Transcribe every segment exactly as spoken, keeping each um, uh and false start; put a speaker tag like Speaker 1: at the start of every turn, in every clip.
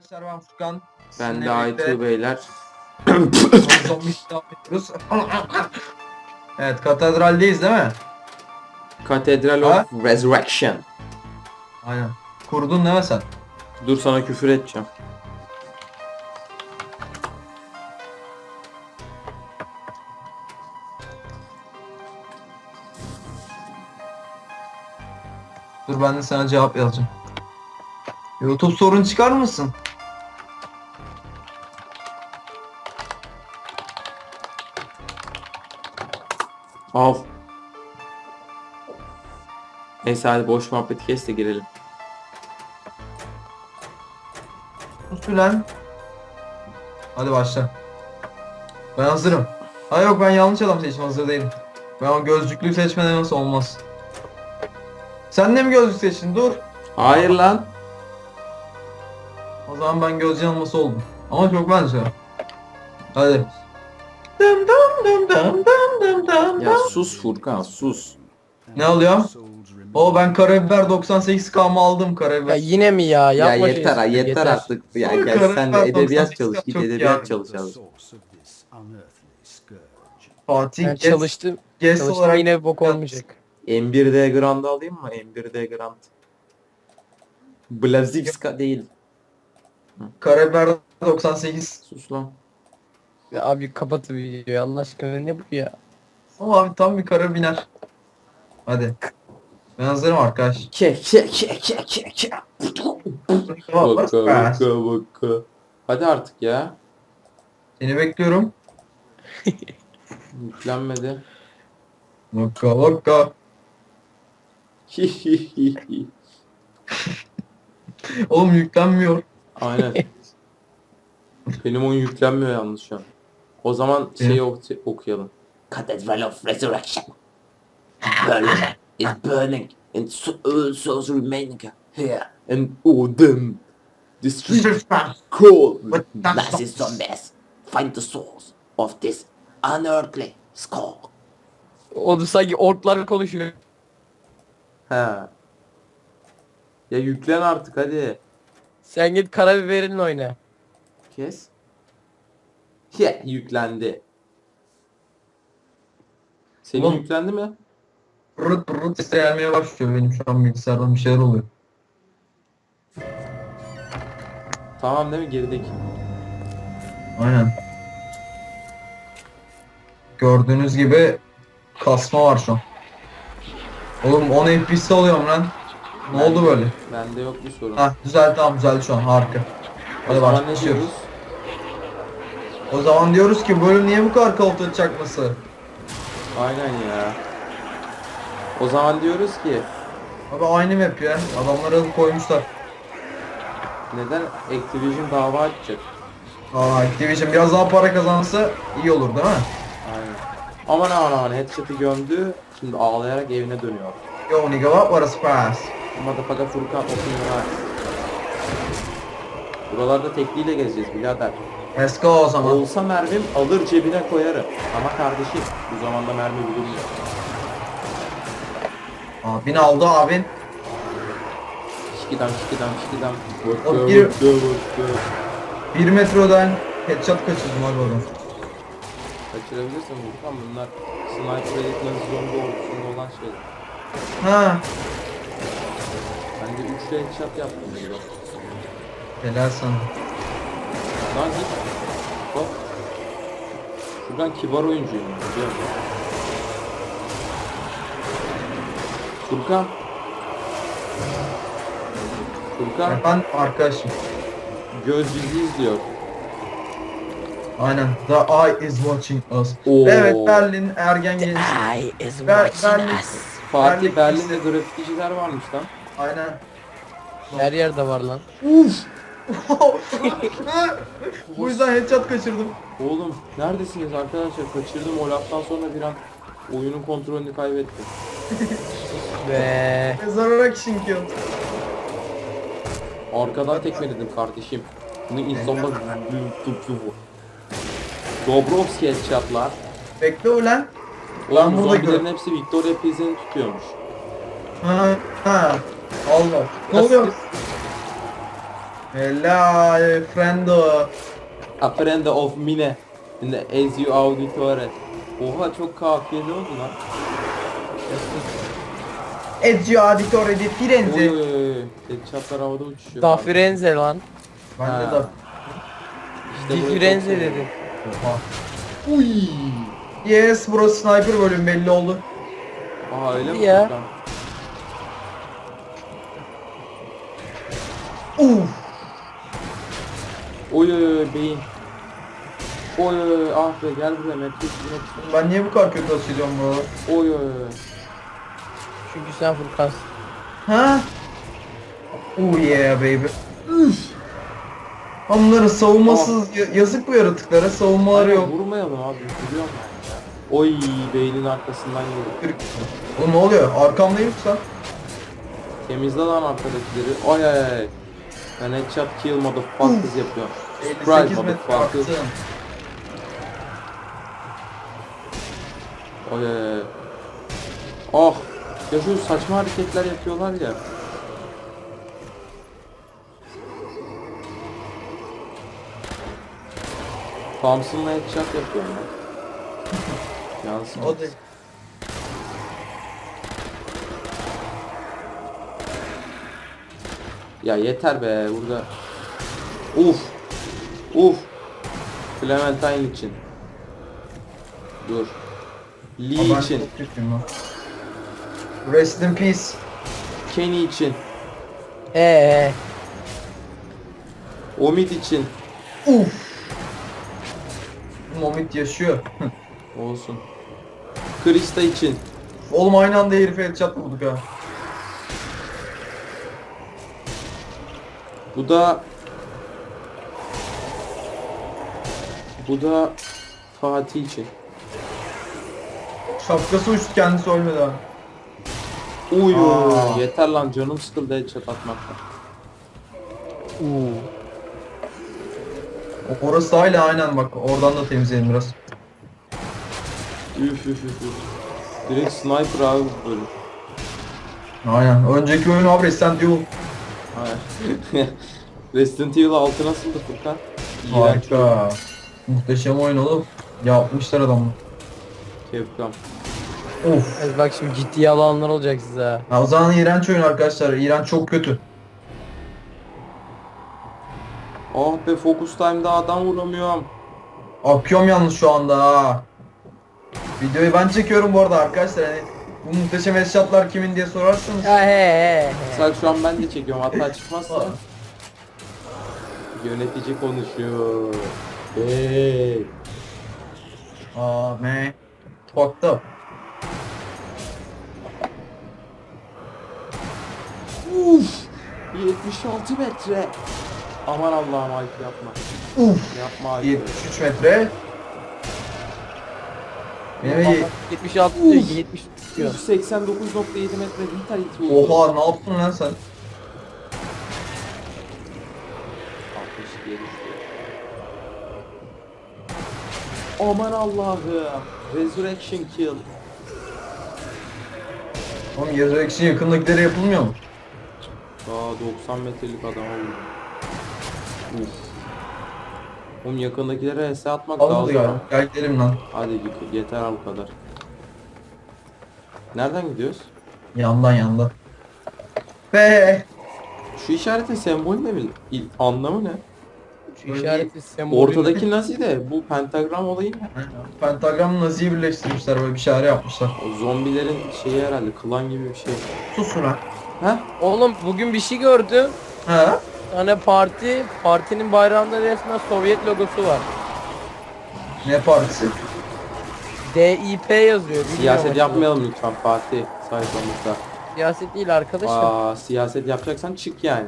Speaker 1: Arkadaşlar ben Furkan.
Speaker 2: Ben
Speaker 1: Sizinle
Speaker 2: de Aytu
Speaker 1: birlikte
Speaker 2: beyler.
Speaker 1: zombi devam ediyoruz. Evet, katedraldeyiz değil mi?
Speaker 2: Cathedral
Speaker 1: Ha?
Speaker 2: of Resurrection.
Speaker 1: Aynen. Kurdun değil mi sen?
Speaker 2: Dur sana küfür edeceğim.
Speaker 1: Dur ben de sana cevap yazacağım. YouTube sorun çıkar mısın?
Speaker 2: Al. Neyse hadi boş muhabbeti kes de girelim.
Speaker 1: Sus lan. Hadi başla. Ben hazırım. Ha yok, ben yanlış adam seçtim, hazır değilim. Ben o gözlüklüyü seçmeden nasıl olmaz. Sen de mi gözlük seçtin? Dur.
Speaker 2: Hayır lan.
Speaker 1: O zaman ben göz yanılması oldum. Ama çok benziyor. Hadi. Dım dım dım dım dım dım dım
Speaker 2: Ya
Speaker 1: dım.
Speaker 2: sus Furkan sus.
Speaker 1: Ne oluyor? O ben karabiber doksan sekiz kamı aldım
Speaker 3: Ya
Speaker 1: karabiber.
Speaker 3: yine mi ya?
Speaker 2: Ya
Speaker 3: Yapma
Speaker 2: yeter ha
Speaker 3: şey,
Speaker 2: yeter, artık. Ya
Speaker 1: Oğlum,
Speaker 2: gel sen de
Speaker 1: karakter
Speaker 2: edebiyat
Speaker 1: doksan
Speaker 2: çalış.
Speaker 1: sekiz
Speaker 2: Git
Speaker 1: çok iyi
Speaker 2: edebiyat
Speaker 1: abi.
Speaker 2: çalış abi.
Speaker 1: Fatih
Speaker 3: Ben
Speaker 1: Guest,
Speaker 3: çalıştım.
Speaker 1: guest
Speaker 3: Çalıştım
Speaker 1: olarak
Speaker 3: yine bok olmayacak.
Speaker 2: M bir D Grand'ı alayım mı? M bir D Grand. Blazivska değil.
Speaker 1: karabiber doksan sekiz.
Speaker 2: Sus lan.
Speaker 3: Ya abi kapat videoyu Allah aşkına, ne bu ya?
Speaker 1: Ama abi tam bir karabiner. Hadi. Ben hazırım arkadaş.
Speaker 2: Ke ke ke ke ke ke. Vaka vaka vaka. Hadi artık ya.
Speaker 1: Seni bekliyorum.
Speaker 2: Yüklenmedi.
Speaker 1: Vaka vaka. Oğlum yüklenmiyor.
Speaker 2: Aynen. Benim oyun yüklenmiyor yalnız şu an. O zaman şeyi ok- okuyalım. Cathedral of Resurrection. Burning is burning and so, all souls remaining here. And all them. The street cold with massive zombies. Find the souls of this unearthly skull.
Speaker 3: O da sanki orklar konuşuyor.
Speaker 2: Ha. Ya yüklen artık hadi.
Speaker 3: Sen git karabiberinle oyna.
Speaker 2: Kes. Ya yüklendi. Senin
Speaker 1: Oğlum.
Speaker 2: yüklendi mi?
Speaker 1: Rıt rıt sesle gelmeye başlıyor, benim şu an bilgisayardan bir şeyler oluyor.
Speaker 2: Tamam değil mi gerideki?
Speaker 1: Aynen. Gördüğünüz gibi kasma var şu an. Oğlum on F P S'te oluyorum lan. Ne
Speaker 2: Ben-
Speaker 1: oldu böyle?
Speaker 2: Bende yok bir sorun.
Speaker 1: Hah düzeldi, tamam düzeldi şu an, harika.
Speaker 2: O
Speaker 1: Hadi
Speaker 2: zaman ne
Speaker 1: başlıyoruz.
Speaker 2: diyoruz?
Speaker 1: O zaman diyoruz ki bu bölüm niye bu kadar koltuğu çakması?
Speaker 2: Aynen ya. O zaman diyoruz ki
Speaker 1: Abi aynı map ya. Adamları alıp koymuşlar.
Speaker 2: neden Activision dava açacak?
Speaker 1: Aa, Activision biraz daha para kazansa iyi olur değil mi?
Speaker 2: Aynen. Aman aman aman headshot'ı gömdü. Şimdi ağlayarak evine dönüyor.
Speaker 1: Yo nigga, what was a surprise?
Speaker 2: Motherfucker Furkan open eyes. Buralarda tekliyle gezeceğiz birader.
Speaker 1: Let's go o zaman.
Speaker 2: Olsa mermim alır cebine koyarım. Ama kardeşim bu zamanda mermi bulunmuyor.
Speaker 1: Abin aldı abin.
Speaker 2: Şikidam şikidam şikidam.
Speaker 1: O bir- Bir metrodan headshot kaçırdım abi oradan.
Speaker 2: Kaçırabilirsin Furkan, bunlar sniper editmez zombi ordusunda olan şeyler.
Speaker 1: Ha.
Speaker 2: Ben de üçlü headshot yaptım burada.
Speaker 1: Helal sana.
Speaker 2: Lan git. Hop. Furkan kibar oyuncuyum biliyor musun? Furkan. Furkan
Speaker 1: Ben arkadaşım.
Speaker 2: göz bizi izliyor.
Speaker 1: Aynen. The eye is watching us.
Speaker 2: Oo.
Speaker 1: Evet, Berlin ergen gençlik.
Speaker 3: I is
Speaker 1: Ber
Speaker 3: watching
Speaker 1: Berlin.
Speaker 3: us.
Speaker 2: Fatih
Speaker 1: Berlin-
Speaker 2: Berlin'de grafikçiler varmış lan.
Speaker 1: Aynen.
Speaker 3: Her yerde var lan.
Speaker 1: Bu yüzden headshot kaçırdım.
Speaker 2: Oğlum neredesiniz arkadaşlar? Kaçırdım, o laftan sonra bir an oyunun kontrolünü kaybettim.
Speaker 3: Ve
Speaker 1: Mezararak şinkiyor.
Speaker 2: Arkadan tekmeledim kardeşim. Bunu insanlar Dobrovski headshotlar.
Speaker 1: Bekle ulan. Ben
Speaker 2: Oğlum
Speaker 1: burada
Speaker 2: zombilerin
Speaker 1: gör-
Speaker 2: hepsi Victoria Pilsen'i tutuyormuş.
Speaker 1: Ha ha. Allah. Ne
Speaker 2: Nasıl?
Speaker 1: oluyor? Helal friendo.
Speaker 2: Aprende of mine. In the Ezio Auditore. Oha çok kafiyeli oldu lan.
Speaker 1: Ezio Auditore di
Speaker 2: Oy
Speaker 1: Firenze.
Speaker 2: oy oy. Headshotlar havada uçuşuyor.
Speaker 3: Da Firenze lan.
Speaker 1: Ben de
Speaker 2: Ha.
Speaker 1: da.
Speaker 2: İşte
Speaker 3: Di
Speaker 2: burayı
Speaker 3: Firenze
Speaker 2: çok seviyorum.
Speaker 3: dedim.
Speaker 1: Oha.
Speaker 2: Uy.
Speaker 1: Yes, burası sniper bölüm belli oldu.
Speaker 2: Aa öyle mi?
Speaker 3: Ya.
Speaker 2: Furkan?
Speaker 1: Uf.
Speaker 2: Oy oy oy beyin. Oy oy oy ah be gel buraya Matrix Matrix.
Speaker 1: Ben niye bu kadar kötü atışacağım burada?
Speaker 2: Oy oy oy.
Speaker 3: Çünkü sen Furkansın.
Speaker 1: Ha? Oh yeah baby. Üf. Onların savunmasız ya- yazık bu yaratıklara, savunmaları
Speaker 2: Aynen,
Speaker 1: yok.
Speaker 2: vurmayalım abi biliyorum ben ya. Oy beynin arkasından yedim.
Speaker 1: Türk. Oğlum ne oluyor? Arkamdayım sen.
Speaker 2: Temizle lan arkadakileri. Ay ay ay. Ben headshot kill motherfuckers yapıyorum.
Speaker 1: elli
Speaker 2: Surprise
Speaker 1: sekiz metre
Speaker 2: motherfuckers.
Speaker 1: attım.
Speaker 2: Ay ay ay. Oh. Ya şu saçma hareketler yapıyorlar ya. Thompson'la headshot yapıyorum ben. Yansın.
Speaker 1: O da
Speaker 2: Ya yeter be burada. Uf. Uf. Clementine için. Dur. Lee
Speaker 1: Aa, ben
Speaker 2: için.
Speaker 1: çok kötüyüm lan. Rest in peace.
Speaker 2: Kenny için.
Speaker 3: Eee.
Speaker 2: Omid için.
Speaker 1: Uf. Momit yaşıyor.
Speaker 2: Olsun. Krista için.
Speaker 1: Oğlum aynı anda herife headshot vurduk ha.
Speaker 2: Bu da Bu da Fatih için.
Speaker 1: Şapkası uçtu, kendisi ölmedi ha.
Speaker 2: Uy
Speaker 1: Aa.
Speaker 2: yeter lan canım sıkıldı headshot atmaktan.
Speaker 3: Uuu.
Speaker 1: Orası hala aynen bak, oradan da temizleyelim biraz.
Speaker 2: Üf üf üf üf. Direkt sniper abi bu bölüm.
Speaker 1: Aynen. Önceki oyun abi Resident Evil.
Speaker 2: Hayır. Resident Evil altı nasıldı Furkan? İğrenç.
Speaker 1: Harika. Muhteşem oyun oğlum. Yapmışlar adamı.
Speaker 2: Capcom.
Speaker 1: Of.
Speaker 3: Evet, bak şimdi ciddi alanlar olacak size ha.
Speaker 1: Ya o zaman iğrenç oyun arkadaşlar. İğrenç çok kötü.
Speaker 2: Ah be Focus Time'da adam vuramıyorum.
Speaker 1: Akıyorum yalnız şu anda ha. Videoyu ben çekiyorum bu arada arkadaşlar. Hani bu muhteşem headshotlar kimin diye sorarsanız.
Speaker 3: Ya he he he.
Speaker 2: Sen şu an ben de çekiyorum hatta çıkmazsa. Yönetici konuşuyor. Hey.
Speaker 1: Aa man. Fucked up.
Speaker 2: Uf. yetmiş altı metre. Aman Allah'ım Alp yapma.
Speaker 1: Uf.
Speaker 2: Yapma Alp.
Speaker 1: yetmiş üç metre. Benim ye-
Speaker 3: yetmiş altı diyor, yetmiş diyor.
Speaker 2: yüz seksen dokuz nokta yedi metre vitality oldu.
Speaker 1: Oha ne yaptın lan sen?
Speaker 2: altmış ikiye düştü. Aman Allah'ım. Resurrection kill.
Speaker 1: Oğlum Resurrection yakındakilere yapılmıyor mu?
Speaker 2: Aa doksan metrelik adama vurdu. Uf. Oğlum yakındakilere S atmak
Speaker 1: Almadı
Speaker 2: lazım.
Speaker 1: galiba. Gel gidelim lan.
Speaker 2: Hadi git yeter al bu kadar. Nereden gidiyoruz?
Speaker 1: Yandan yandan. Be.
Speaker 2: Şu işaretin sembolü ne bil? il- Anlamı ne?
Speaker 3: Şu işareti sembolü.
Speaker 2: Ortadaki nazi de bu pentagram olayı ne?
Speaker 1: Pentagram Nazi'yi birleştirmişler, böyle bir şare yapmışlar.
Speaker 2: O zombilerin şeyi herhalde klan gibi bir şey.
Speaker 1: Sus lan.
Speaker 2: Ha?
Speaker 3: Oğlum bugün bir şey gördüm.
Speaker 1: Ha?
Speaker 3: Hani parti, partinin bayrağında resmen Sovyet logosu var.
Speaker 1: Ne partisi?
Speaker 3: D I P yazıyor. bilmiyorum
Speaker 2: Siyaset
Speaker 3: aslında.
Speaker 2: yapmayalım lütfen Fatih sayfamızda.
Speaker 3: Siyaset değil arkadaşım.
Speaker 2: Aa siyaset yapacaksan çık yani.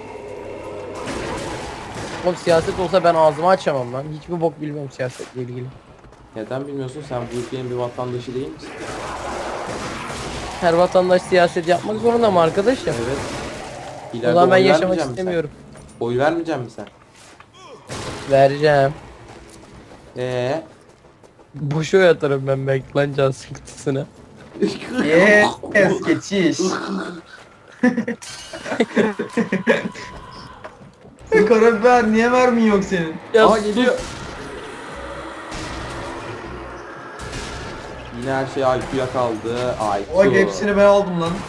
Speaker 3: Oğlum siyaset olsa ben ağzımı açamam lan. Hiçbir bok bilmiyorum siyasetle ilgili.
Speaker 2: Neden bilmiyorsun sen bu ülkenin bir vatandaşı değil misin?
Speaker 3: Her vatandaş siyaset yapmak zorunda mı arkadaşım?
Speaker 2: Evet.
Speaker 3: O
Speaker 2: İleride
Speaker 3: zaman ben
Speaker 2: oy
Speaker 3: yaşamak
Speaker 2: vermeyecek misin sen?
Speaker 3: istemiyorum.
Speaker 2: Oy vermeyecek misin sen?
Speaker 3: Vereceğim.
Speaker 2: Eee?
Speaker 3: Boşa yatarım ben belki lan can sıkıntısına.
Speaker 1: Yes, geçiş. Karabiber niye mermin yok senin?
Speaker 3: Ya
Speaker 2: Aa
Speaker 3: sus.
Speaker 2: geliyor. Yine her şey I Q'ya kaldı. I Q.
Speaker 1: Bak hepsini ben aldım lan.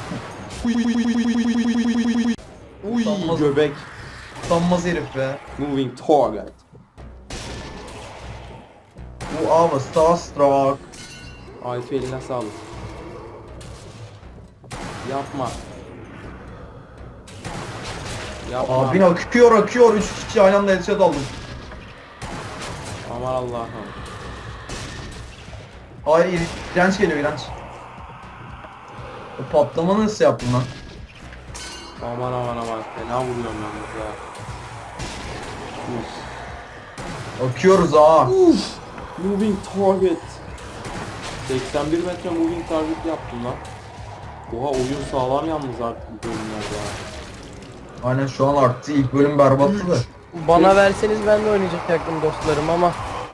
Speaker 2: Uy
Speaker 1: Utanmaz.
Speaker 2: göbek.
Speaker 1: Utanmaz herif be.
Speaker 2: Moving target.
Speaker 1: Bu ama Starstruck.
Speaker 2: I Q eline sağlık. Yapma. Yapma.
Speaker 1: Abin akıyor akıyor. Üç kişi aynı anda headshot aldım.
Speaker 2: Aman Allah'ım.
Speaker 1: Hayır iğrenç geliyor iğrenç. O patlama nasıl yaptın lan?
Speaker 2: Aman aman aman. Fena vuruyorum yalnız ya. Uf.
Speaker 1: Akıyoruz ha.
Speaker 2: Uf. Moving target. seksen bir metre moving target yaptım lan. Oha oyun sağlam yalnız artık bu bölümlerde ya.
Speaker 1: Aynen şu an arttı. İlk bölüm berbattı da.
Speaker 3: Bana verseniz ben de oynayacaktım dostlarım ama.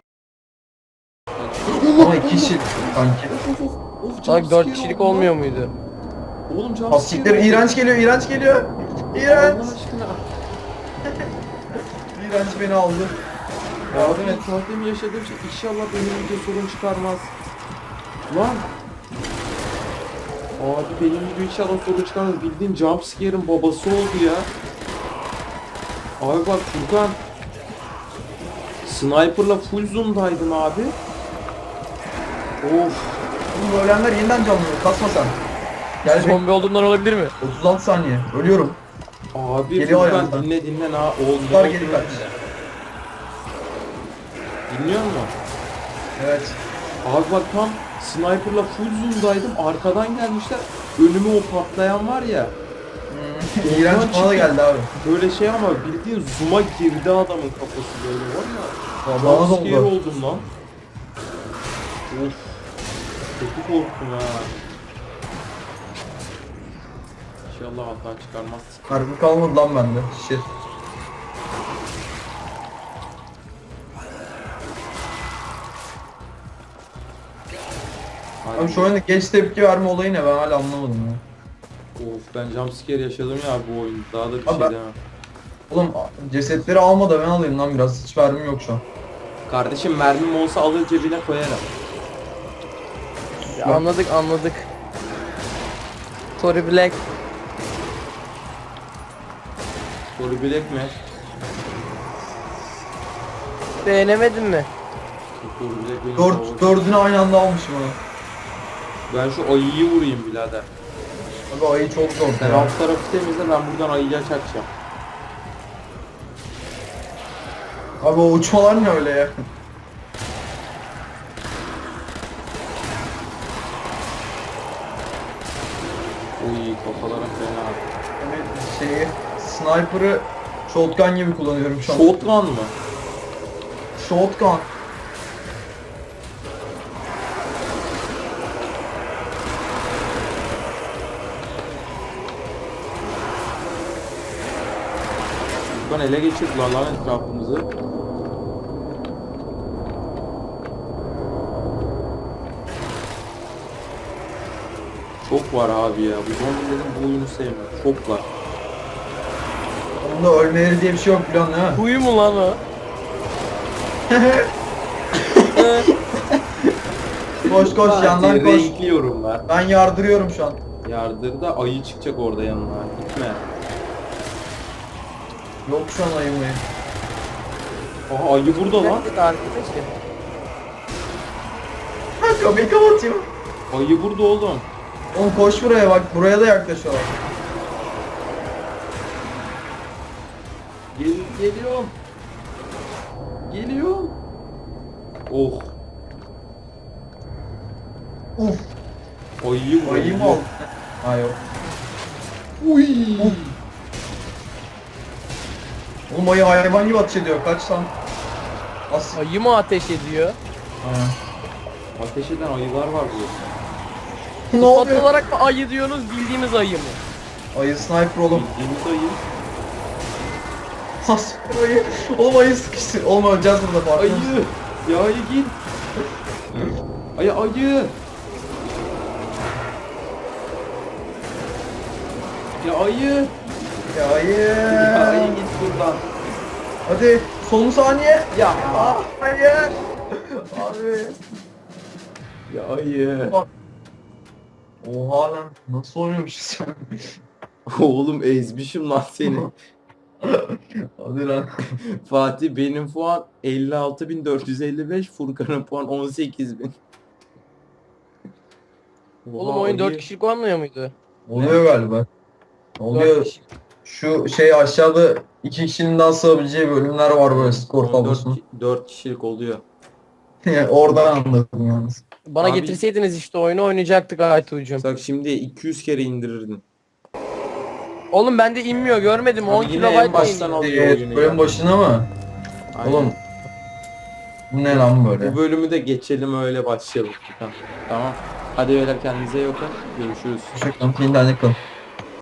Speaker 1: Ama iki kişi sanki.
Speaker 3: Bak dört kişilik olmuyor muydu?
Speaker 2: Oğlum can
Speaker 1: Asikler iğrenç geliyor iğrenç geliyor. İğrenç.
Speaker 2: Allah aşkına.
Speaker 1: İğrenç beni aldı.
Speaker 2: Yardım et. Tahtemi yaşadığım şey inşallah benim video sorun çıkarmaz. Lan. Abi benim video inşallah sorun çıkarmaz. Bildiğin jumpscare'ın babası oldu ya. Abi bak Furkan. Sniper'la full zoom'daydım abi. Of.
Speaker 1: Bu ölenler yeniden canlanıyor. Kasma sen. Gel bir
Speaker 3: Zombi olduğundan olabilir mi?
Speaker 1: otuz altı saniye. Ölüyorum.
Speaker 2: Abi
Speaker 1: Geliyor
Speaker 2: Furkan
Speaker 1: ayağımdan.
Speaker 2: dinle dinle na oldu.
Speaker 1: Tutar geri kaç.
Speaker 2: Dinliyor musun?
Speaker 1: Evet.
Speaker 2: Abi bak tam sniper'la full zoom'daydım. Arkadan gelmişler. Önüme o patlayan var ya.
Speaker 1: Hmm. İğrenç bana da geldi abi.
Speaker 2: Böyle şey ama bildiğin zoom'a girdi adamın kafası böyle var ya.
Speaker 1: Bana da
Speaker 2: Jumpscare
Speaker 1: oldu.
Speaker 2: oldum lan. Of. Kötü korktum ha. İnşallah hata çıkarmaz.
Speaker 1: Harbi kalmadı lan bende. Shit.
Speaker 2: Hadi.
Speaker 1: Abi şu oyunda geç tepki verme olayı ne ben hala anlamadım ya.
Speaker 2: Of ben jumpscare yaşadım ya bu oyunda. Daha da bir
Speaker 1: Abi
Speaker 2: şey
Speaker 1: ben-
Speaker 2: demem.
Speaker 1: Oğlum cesetleri alma da ben alayım lan biraz. Hiç vermem yok şu an.
Speaker 2: Kardeşim mermim olsa alır cebine koyarım.
Speaker 3: Ya anladık anladık. Tory Black.
Speaker 2: Soru bilek mi?
Speaker 3: Beğenemedin mi?
Speaker 2: Soru bilek benim
Speaker 1: Dört,
Speaker 2: favorim.
Speaker 1: dördünü aynı anda almışım onu.
Speaker 2: Ben şu ayıyı vurayım birader.
Speaker 1: Abi ayı çok zor
Speaker 2: Sen
Speaker 1: ya.
Speaker 2: alt tarafı temizle ben buradan ayıya çakacağım.
Speaker 1: Abi o uçmalar ne öyle ya?
Speaker 2: Uy kafalarım fena.
Speaker 1: Yani şeyi, sniper'ı shotgun gibi kullanıyorum şu an.
Speaker 2: Shotgun mı?
Speaker 1: Shotgun.
Speaker 2: Shotgun ele geçirdiler lan etrafımızı. Çok var abi ya. Bu zombilerin bu oyunu sevmiyorum. Çok var.
Speaker 1: Onda ölmeleri diye bir şey yok biliyorsun değil mi?
Speaker 3: Huyu mu lan o?
Speaker 1: Koş koş yandan koş.
Speaker 2: Renkli yorumlar.
Speaker 1: Ben yardırıyorum şu an.
Speaker 2: Yardırda ayı çıkacak orada yanına. Gitme.
Speaker 1: Yok şu an ayı mayı.
Speaker 2: Aha ayı burada lan.
Speaker 3: Nerede arkadaşım?
Speaker 1: Ha kapıyı kapatıyor.
Speaker 2: Ayı burada oğlum.
Speaker 1: Oğlum koş buraya bak buraya da yaklaşıyorlar.
Speaker 2: Gel geliyorum. Geliyorum. Oh.
Speaker 1: Uf
Speaker 2: Ayıyı vur.
Speaker 1: ayı mı aldın? Ha yok.
Speaker 2: Uy.
Speaker 1: Oğlum ayı hayvan gibi ateş ediyor kaç lan. As.
Speaker 3: Ayı mı ateş ediyor?
Speaker 1: Ha.
Speaker 2: Ateş eden ayılar var burada.
Speaker 1: Ne
Speaker 3: Sıfat
Speaker 1: oluyor?
Speaker 3: olarak mı ayı diyorsunuz bildiğimiz ayı mı?
Speaker 1: Ayı sniper oğlum.
Speaker 2: Bildiğimiz ayı.
Speaker 1: Has ayı. Oğlum ayı sıkıştı. Oğlum öleceğiz burada farkında
Speaker 2: Ayı.
Speaker 1: mısın?
Speaker 2: Ya ayı git. Ayı ayı. Ya ayı.
Speaker 1: Ya ayı.
Speaker 2: Ya ayı git buradan.
Speaker 1: Hadi son saniye. Ya ah, hayır. Abi.
Speaker 2: Ya hayır.
Speaker 1: Oha lan nasıl oynamışız ya?
Speaker 2: Oğlum ezmişim lan seni.
Speaker 1: Hadi lan.
Speaker 2: Fatih benim puan elli altı bin dört yüz elli beş, Furkan'ın puan on sekiz bin.
Speaker 3: Oğlum oyun dört kişilik olmuyor muydu?
Speaker 1: Oluyor galiba.
Speaker 3: dört
Speaker 1: Oluyor.
Speaker 3: kişi.
Speaker 1: Şu şey aşağıda iki kişinin daha sığabileceği bölümler var böyle skor tablosunda.
Speaker 2: dört kişilik oluyor.
Speaker 1: Oradan anladım yalnız.
Speaker 3: Bana
Speaker 2: Abi-
Speaker 3: getirseydiniz işte oyunu oynayacaktık Aytuğ'cum.
Speaker 2: Bak şimdi iki yüz kere indirirdin.
Speaker 3: Oğlum bende inmiyor görmedim on
Speaker 2: Abi yine
Speaker 3: kilobayt
Speaker 2: en baştan
Speaker 3: iniyor.
Speaker 2: alıyor
Speaker 1: Evet,
Speaker 2: oyunu
Speaker 1: bölüm
Speaker 2: ya.
Speaker 1: başına mı?
Speaker 2: Aynen.
Speaker 1: Oğlum. Bu ne lan böyle?
Speaker 2: Bu bölümü de geçelim öyle başlayalım. Tamam. Tamam. Hadi beyler kendinize iyi bakın. Görüşürüz.
Speaker 1: Çok internet kalın.